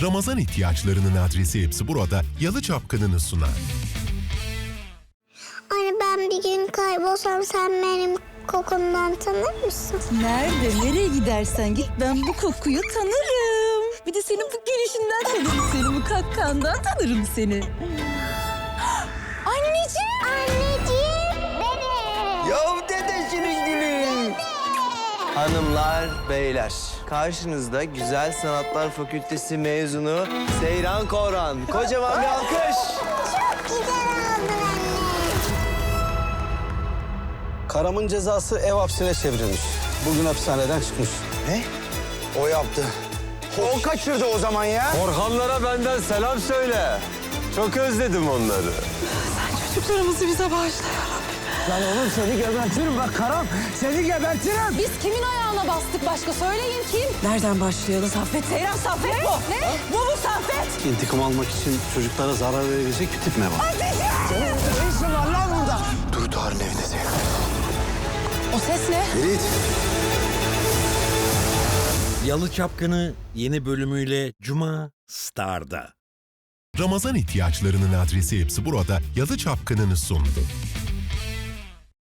Ramazan ihtiyaçlarının adresi hepsi burada Yalı Çapkını'nı sunar. Anne ben bir gün kaybolsam sen benim kokumdan tanır mısın? Nerede, nereye gidersen git ben bu kokuyu tanırım. Bir de senin bu gelişinden tanırım seni, bu kakkandan tanırım seni. Anneciğim! Anneciğim! Dede! Yav dedesinin gülü. Hanımlar, beyler, karşınızda Güzel Sanatlar Fakültesi mezunu Seyran Koran. Kocaman bir alkış. Çok güzel oldun anne. Karam'ın cezası ev hapsine çevrilmiş. Bugün hapishaneden çıkmış. Ne? O yaptı. O kaçırdı o zaman ya. Orhanlara benden selam söyle. Çok özledim onları. Çocuklarımızı bize bağışla ya. Lan oğlum seni gebertirim bak Karam. Seni gebertirim. Biz kimin ayağına bastık başka söyleyin kim? Nereden başlayalım? Saffet, Seyran Saffet bu. Ne? Bu mu Saffet? İntikam almak için çocuklara zarar verebilecek bir tip mi var? Senin ne işin var lan burada? Duyduhar'ın evinde Seyran. O ses ne? Ferit. Yalı Çapkını yeni bölümüyle Cuma Star'da. Ramazan ihtiyaçlarının adresi hepsi burada Yalı Çapkını'nı sundu.